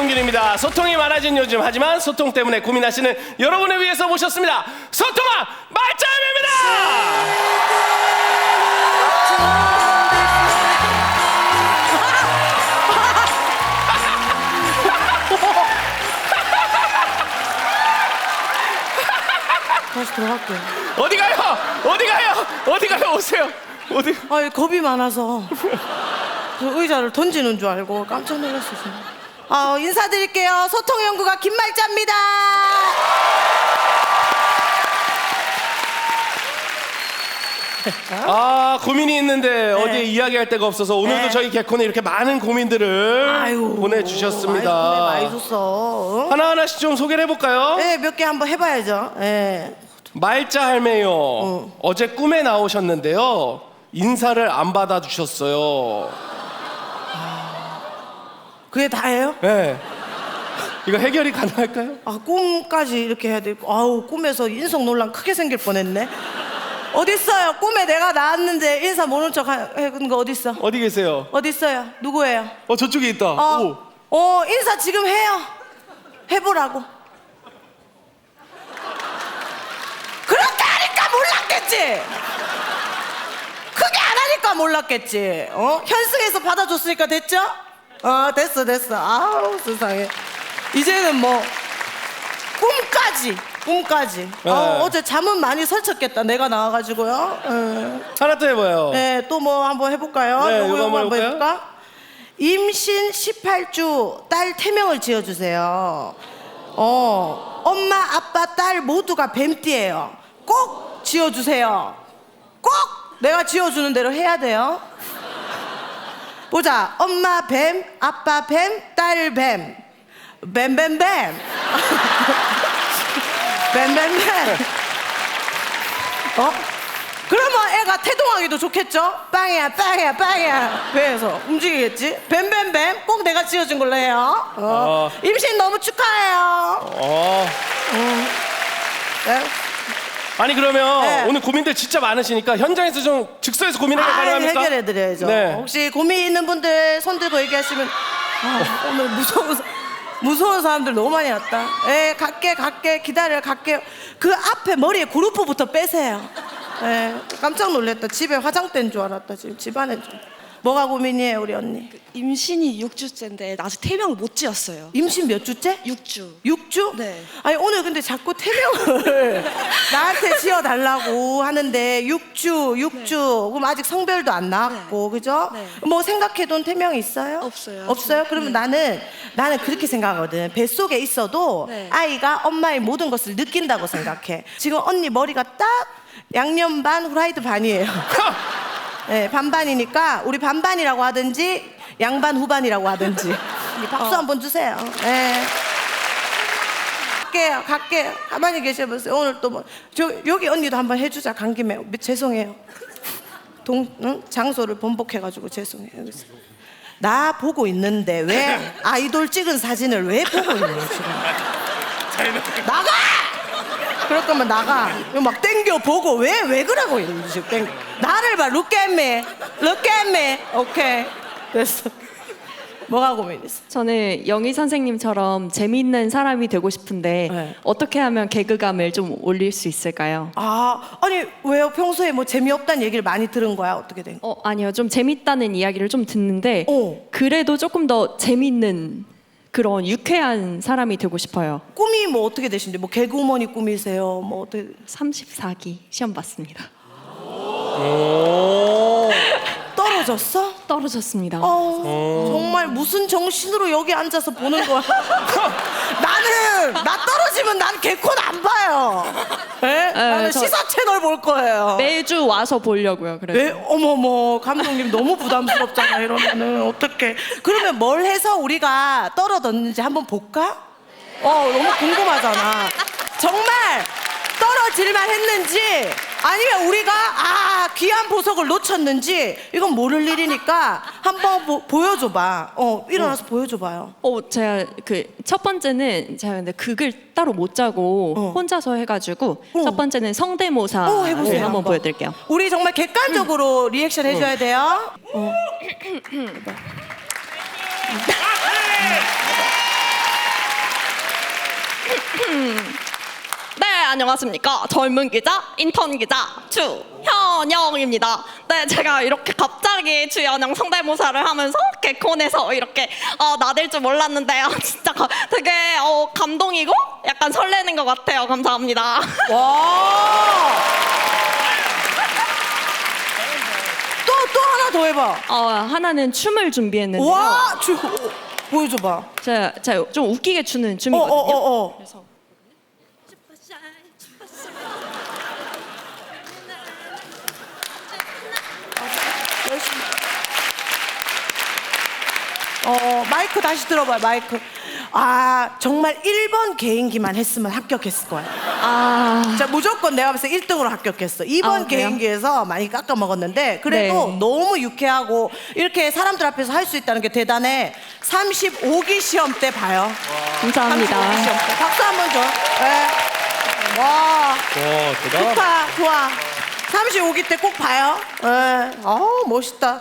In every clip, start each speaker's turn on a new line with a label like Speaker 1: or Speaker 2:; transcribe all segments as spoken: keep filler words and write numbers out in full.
Speaker 1: 김성균입니다. 소통이 많아진 요즘, 하지만 소통 때문에 고민하시는 여러분을 위해서 모셨습니다. 소통왕 말짱입니다.
Speaker 2: 다시 들어갈게요.
Speaker 1: 어디 가요? 어디 가요? 어디 가요? 오세요. 어디?
Speaker 2: 아, 겁이 많아서 그 의자를 던지는 줄 알고 깜짝 놀랐어요. 아, 인사드릴게요. 소통연구가 김말자입니다.
Speaker 1: 아, 고민이 있는데 어디에 이야기할 데가 없어서 오늘도
Speaker 2: 네.
Speaker 1: 저희 개콘에 이렇게 많은 고민들을
Speaker 2: 아유,
Speaker 1: 보내주셨습니다.
Speaker 2: 많이, 많이 줬어. 응?
Speaker 1: 하나하나씩 좀 소개를 해볼까요?
Speaker 2: 네, 몇 개 한번 해봐야죠. 네.
Speaker 1: 말자 할매요. 어제 꿈에 나오셨는데요. 인사를 안 받아주셨어요.
Speaker 2: 그게 다예요?
Speaker 1: 네. 이거 해결이 가능할까요?
Speaker 2: 아, 꿈까지 이렇게 해야 되고, 아우, 꿈에서 인성 논란 크게 생길 뻔했네. 어딨어요? 꿈에 내가 나왔는데 인사 모른 척 하는 거 어딨어?
Speaker 1: 어디 계세요?
Speaker 2: 어딨어요? 누구예요?
Speaker 1: 어, 저쪽에 있다.
Speaker 2: 어,
Speaker 1: 오.
Speaker 2: 어, 인사 지금 해요. 해보라고. 그렇게 하니까 몰랐겠지. 크게 안 하니까 몰랐겠지. 어? 현승에서 받아줬으니까 됐죠? 어, 됐어, 됐어. 아우, 세상에. 이제는 뭐 꿈까지, 꿈까지.
Speaker 1: 네.
Speaker 2: 아우, 어제 잠은 많이 설쳤겠다. 내가 나와가지고요. 예.
Speaker 1: 하나 또 해봐요.
Speaker 2: 네, 또 뭐 한번 해볼까요?
Speaker 1: 네,
Speaker 2: 요거
Speaker 1: 요거
Speaker 2: 요거
Speaker 1: 한번
Speaker 2: 한번
Speaker 1: 해볼까요?
Speaker 2: 해볼까? 임신 십팔 주 딸 태명을 지어주세요. 어, 엄마, 아빠, 딸 모두가 뱀띠예요. 꼭 지어주세요. 꼭 내가 지어주는 대로 해야 돼요. 보자. 엄마 뱀, 아빠 뱀, 딸 뱀. 뱀뱀뱀. 뱀뱀뱀. 어? 그러면 애가 태동하기도 좋겠죠? 빵이야, 빵이야, 빵이야. 그래서 움직이겠지? 뱀뱀뱀 꼭 내가 지어준 걸로 해요. 어.
Speaker 1: 어.
Speaker 2: 임신 너무 축하해요.
Speaker 1: 어.
Speaker 2: 네?
Speaker 1: 아니 그러면
Speaker 2: 네.
Speaker 1: 오늘 고민들 진짜 많으시니까 현장에서 좀 즉석에서 고민해결
Speaker 2: 아,
Speaker 1: 가능합니까?
Speaker 2: 해결해드려야죠.
Speaker 1: 네.
Speaker 2: 혹시 고민 있는 분들 손 들고 얘기하시면 아, 오늘 무서운 사- 무서운 사람들 너무 많이 왔다. 예, 갈게 갈게 기다려 갈게요. 그 앞에 머리에 그루프부터 빼세요. 예, 깜짝 놀랐다. 집에 화장대인 줄 알았다. 지금 집안에 좀. 뭐가 고민이에요, 우리 언니?
Speaker 3: 임신이 육 주째인데 아직 태명을 못 지었어요.
Speaker 2: 임신 몇 주째?
Speaker 3: 육 주.
Speaker 2: 육 주?
Speaker 3: 네.
Speaker 2: 아니 오늘 근데 자꾸 태명을 나한테 지어달라고 하는데 육 주, 육 주. 그럼 아직 성별도 안 나왔고, 그죠?
Speaker 3: 네.
Speaker 2: 뭐 생각해둔 태명이 있어요?
Speaker 3: 없어요.
Speaker 2: 없어요? 그러면
Speaker 3: 네.
Speaker 2: 나는 나는 그렇게 생각하거든. 뱃속에 있어도
Speaker 3: 네.
Speaker 2: 아이가 엄마의 모든 것을 느낀다고 생각해. 지금 언니 머리가 딱 양념 반, 후라이드 반이에요. 네, 반반이니까 우리 반반이라고 하든지 양반 후반이라고 하든지 박수 한번 주세요. 네. 갈게요, 갈게요. 가만히 계셔보세요. 오늘 또 뭐, 저 여기 언니도 한번 해주자. 간 김에 죄송해요. 동 응? 장소를 번복해가지고 죄송해요. 여기서. 나 보고 있는데 왜 아이돌 찍은 사진을 왜 보고 있니 지금? 나가! 그럴 거면 나가. 이거 막 땡겨 보고 왜 왜 그러고 있는지 지금 땡겨. 나를 봐. Look at me. Look at me. 오케이. 됐어. 뭐가 고민 있어?
Speaker 4: 저는 영희 선생님처럼 재미있는 사람이 되고 싶은데
Speaker 2: 네.
Speaker 4: 어떻게 하면 개그감을 좀 올릴 수 있을까요?
Speaker 2: 아, 아니 왜요? 평소에 뭐 재미없다는 얘기를 많이 들은 거야? 어떻게 된 거야?
Speaker 4: 어, 아니요. 좀 재밌다는 이야기를 좀 듣는데
Speaker 2: 어.
Speaker 4: 그래도 조금 더 재밌는 그런 유쾌한 사람이 되고 싶어요.
Speaker 2: 꿈이 뭐 어떻게 되신데? 뭐 개그우먼이 꿈이세요? 뭐 어떻게?
Speaker 4: 삼십사 기 시험 봤습니다.
Speaker 1: 오.
Speaker 2: 떨어졌어?
Speaker 4: 떨어졌습니다.
Speaker 2: 어, 정말 무슨 정신으로 여기 앉아서 보는 거야? 나는 나 떨어지면 난 개콘 안 봐요. 네? 나는
Speaker 4: 저-
Speaker 2: 시사 채널 볼 거예요.
Speaker 4: 매주 와서 보려고요. 그래서
Speaker 2: 네? 어머머 감독님 너무 부담스럽잖아. 이러면은 어떡해. 그러면 뭘 해서 우리가 떨어졌는지 한번 볼까? 어 너무 궁금하잖아. 정말 떨어질만 했는지 아니면 우리가 아 귀한 보석을 놓쳤는지 이건 모를 일이니까 한번 보, 보여줘봐. 어 일어나서 보여줘봐요.
Speaker 4: 어, 제가 그 첫 번째는 제가 근데 극을 따로 못 짜고
Speaker 2: 어.
Speaker 4: 혼자서 해가지고
Speaker 2: 어.
Speaker 4: 첫 번째는 성대모사
Speaker 2: 어, 해보세요,
Speaker 4: 한번
Speaker 2: 한번.
Speaker 4: 보여드릴게요.
Speaker 2: 우리 정말 객관적으로 리액션 해줘야 돼요. 어.
Speaker 4: 네, 안녕하십니까. 젊은 기자, 인턴 기자 주현영입니다. 네, 제가 이렇게 갑자기 주현영 성대모사를 하면서 개콘에서 이렇게 어, 나댈 줄 몰랐는데 요 진짜 가- 되게 어, 감동이고 약간 설레는 것 같아요. 감사합니다.
Speaker 2: 와. 또 또 하나 더 해봐.
Speaker 4: 어, 하나는 춤을 준비했는데요.
Speaker 2: 와, 주 보여줘봐.
Speaker 4: 제가, 제가 좀 웃기게 추는
Speaker 2: 어,
Speaker 4: 춤이거든요.
Speaker 2: 어, 어, 어.
Speaker 4: 그래서
Speaker 2: 열심히. 어, 마이크 다시 들어봐요, 마이크. 아, 정말 일 번 개인기만 했으면 합격했을 거야.
Speaker 4: 아,
Speaker 2: 자, 무조건 내가 봤을 때 일 등으로 합격했어. 이 번
Speaker 4: 아, 그래요?
Speaker 2: 개인기에서 많이 깎아 먹었는데 그래도
Speaker 4: 네.
Speaker 2: 너무 유쾌하고 이렇게 사람들 앞에서 할 수 있다는 게 대단해. 삼십오 기 시험 때 봐요.
Speaker 4: 감사합니다.
Speaker 2: 삼십오 기 시험 때. 박수 한번 줘. 네. 와,
Speaker 1: 와 대단하다.
Speaker 2: 좋다, 좋아. 삼십오 기 때 꼭 봐요. 네. 어우, 멋있다.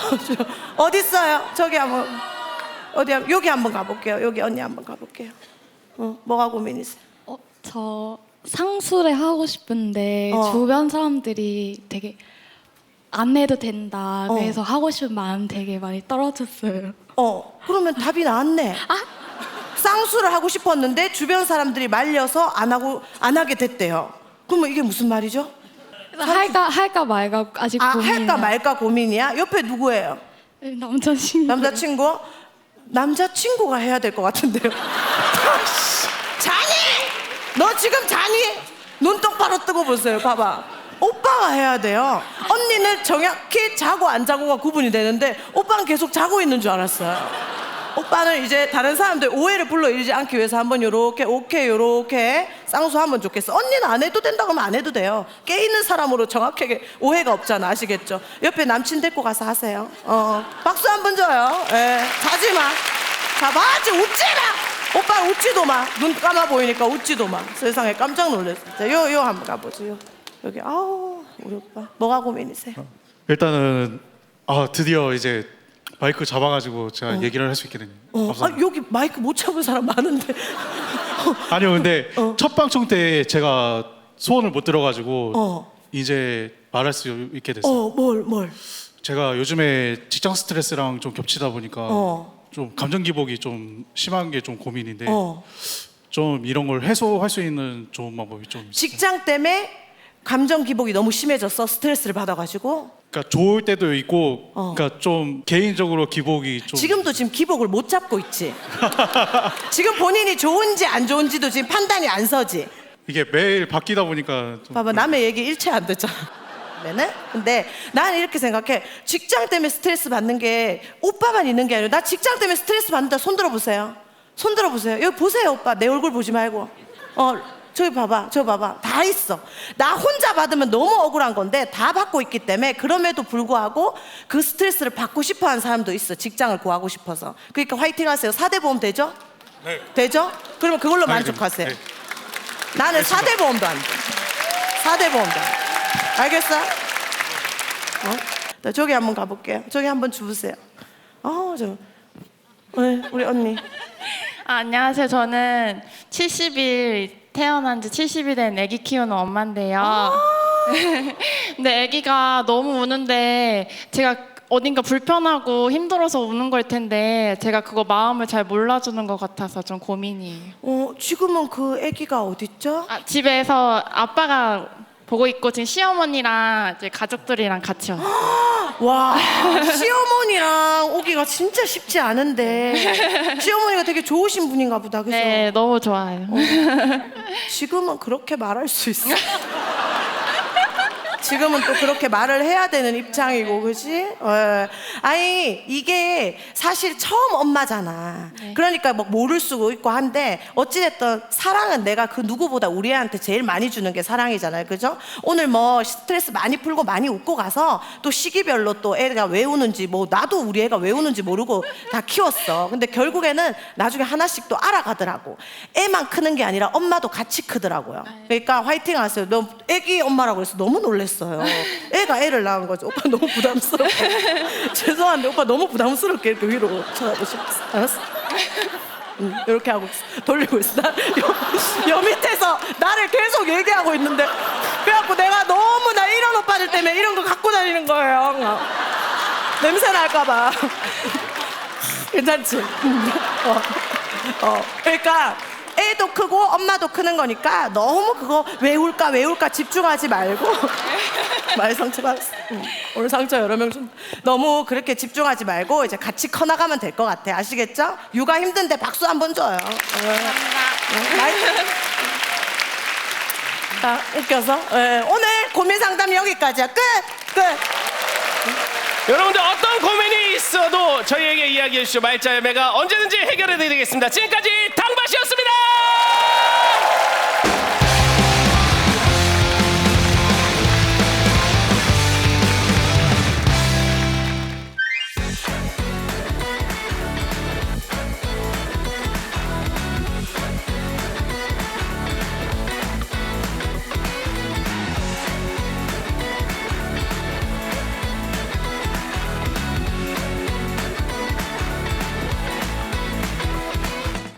Speaker 2: 어디 있어요? 저기 한번 어디 한- 여기 한번 가볼게요. 여기 언니 한번 가볼게요. 어, 뭐가 고민이세요?
Speaker 5: 어, 저 상수를 하고 싶은데
Speaker 2: 어.
Speaker 5: 주변 사람들이 되게 안 해도 된다.
Speaker 2: 어.
Speaker 5: 그래서 하고 싶은 마음 되게 많이 떨어졌어요.
Speaker 2: 어, 그러면 답이 나왔네. 쌍수를 하고 싶었는데 주변 사람들이 말려서 안 하고 안 하게 됐대요. 그러면 이게 무슨 말이죠?
Speaker 5: 그래서 할까 할까 말까 아직
Speaker 2: 아,
Speaker 5: 고민이에요.
Speaker 2: 할까 말까 고민이야? 옆에 누구예요?
Speaker 5: 남자친구.
Speaker 2: 남자친구? 남자친구가 해야 될 것 같은데요. 자니? 너 지금 자니? 눈 똑바로 뜨고 보세요. 봐봐. 오빠가 해야 돼요. 언니는 정확히 자고 안 자고가 구분이 되는데 오빠는 계속 자고 있는 줄 알았어요. 오빠는 이제 다른 사람들 오해를 불러일으키지 않기 위해서 한번 요렇게 오케이 요렇게 쌍수하면 좋겠어. 언니는 안 해도 된다고 하면 안 해도 돼요. 깨 있는 사람으로 정확하게 오해가 없잖아. 아시겠죠? 옆에 남친 데리고 가서 하세요. 어, 박수 한 번 줘요. 예, 자지 마. 자, 맞지? 웃지 마. 오빠 웃지도 마. 눈 감아 보이니까 웃지도 마. 세상에 깜짝 놀랐어. 자, 요, 요 한번 가보죠. 요. 여기 아우 우리 오빠 뭐가 고민이세요?
Speaker 6: 일단은 아 드디어 이제 마이크 잡아가지고 제가 얘기를 할 수 있게 됐네요.
Speaker 2: 어, 아,
Speaker 6: 감사합니다.
Speaker 2: 여기 마이크 못 잡은 사람 많은데.
Speaker 6: 아니요, 근데
Speaker 2: 어.
Speaker 6: 첫 방송 때 제가 소원을 못 들어가지고
Speaker 2: 어.
Speaker 6: 이제 말할 수 있게 됐어요.
Speaker 2: 어, 뭘, 뭘?
Speaker 6: 제가 요즘에 직장 스트레스랑 좀 겹치다 보니까
Speaker 2: 어.
Speaker 6: 좀 감정 기복이 좀 심한 게 좀 고민인데
Speaker 2: 어.
Speaker 6: 좀 이런 걸 해소할 수 있는 좋은 방법이 좀 있어요.
Speaker 2: 직장 때문에 감정 기복이 너무 심해졌어. 스트레스를 받아가지고.
Speaker 6: 그러니까 좋을 때도 있고,
Speaker 2: 어.
Speaker 6: 그러니까 좀 개인적으로 기복이 좀
Speaker 2: 지금도 지금 기복을 못 잡고 있지. 지금 본인이 좋은지 안 좋은지도 지금 판단이 안 서지.
Speaker 6: 이게 매일 바뀌다 보니까 좀
Speaker 2: 봐봐, 남의 얘기 일체 안 듣잖아. 네네? 근데 나는 이렇게 생각해. 직장 때문에 스트레스 받는 게 오빠만 있는 게 아니라 나 직장 때문에 스트레스 받는다. 손 들어보세요. 손 들어보세요. 여기 보세요, 오빠. 내 얼굴 보지 말고. 어, 저기 봐봐, 저 봐봐. 다 있어. 나 혼자 받으면 너무 억울한 건데 다 받고 있기 때문에 그럼에도 불구하고 그 스트레스를 받고 싶어 하는 사람도 있어. 직장을 구하고 싶어서. 그러니까 화이팅 하세요. 사 대 보험 되죠?
Speaker 6: 네.
Speaker 2: 되죠? 그러면 그걸로
Speaker 6: 아니,
Speaker 2: 만족하세요.
Speaker 6: 네.
Speaker 2: 나는 사 대 보험도 안 돼. 사 대 보험도 안 돼. 알겠어? 어? 나 저기 한번 가볼게요. 저기 한번 주무세요. 어, 저. 네, 우리 언니.
Speaker 7: 아, 안녕하세요. 저는 칠십 일 태어난 지 칠십 일 된 아기 키우는 엄마인데요. 근데 아기가 너무 우는데 제가 어딘가 불편하고 힘들어서 우는 걸 텐데 제가 그거 마음을 잘 몰라주는 것 같아서 좀 고민이에요.
Speaker 2: 어, 지금은 그 아기가 어딨죠?
Speaker 7: 아, 집에서 아빠가 보고 있고 지금 시어머니랑 이제 가족들이랑 같이 왔어요.
Speaker 2: 와, 시어머니랑 오기가 진짜 쉽지 않은데 시어머니가 되게 좋으신 분인가 보다. 그죠?
Speaker 7: 네, 너무 좋아요.
Speaker 2: 지금은 그렇게 말할 수 있어. 지금은 또 그렇게 말을 해야 되는 입장이고, 그지? 어. 아니, 이게 사실 처음 엄마잖아.
Speaker 7: 네.
Speaker 2: 그러니까 뭐 모를 수도 있고 한데, 어찌됐든 사랑은 내가 그 누구보다 우리 애한테 제일 많이 주는 게 사랑이잖아요. 그죠? 오늘 뭐 스트레스 많이 풀고 많이 웃고 가서 또 시기별로 또 애가 왜 우는지, 뭐 나도 우리 애가 왜 우는지 모르고 다 키웠어. 근데 결국에는 나중에 하나씩 또 알아가더라고. 애만 크는 게 아니라 엄마도 같이 크더라고요. 그러니까 화이팅 하세요. 너 애기 엄마라고 해서 너무 놀랬어요. 애가 애를 낳은 거죠. 오빠 너무 부담스럽게. 죄송한데 오빠 너무 부담스럽게 이렇게 위로 쳐다보셨어. 알았어? 응, 이렇게 하고 있어. 돌리고 있어. 나 여, 여 밑에서 나를 계속 얘기하고 있는데 그래갖고 내가 너무 나 이런 오빠들 때문에 이런 거 갖고 다니는 거예요. 어. 냄새 날까봐. 괜찮지? 응. 어. 어. 그러니까 애도 크고 엄마도 크는 거니까 너무 그거 외울까 외울까 집중하지 말고 많이 상처받았어. 응. 오늘 상처 여러 명 좀 너무 그렇게 집중하지 말고 이제 같이 커나가면 될 것 같아. 아시겠죠? 육아 힘든데 박수 한번 줘요. 감사합니다. 자, 웃겨서. 예, 오늘 고민 상담 여기까지야. 끝! 끝!
Speaker 1: 여러분들 어떤 고민이 있어도 저희에게 이야기해 주시죠. 말자 열매가 언제든지 해결해 드리겠습니다. 지금까지 당바시였습니다.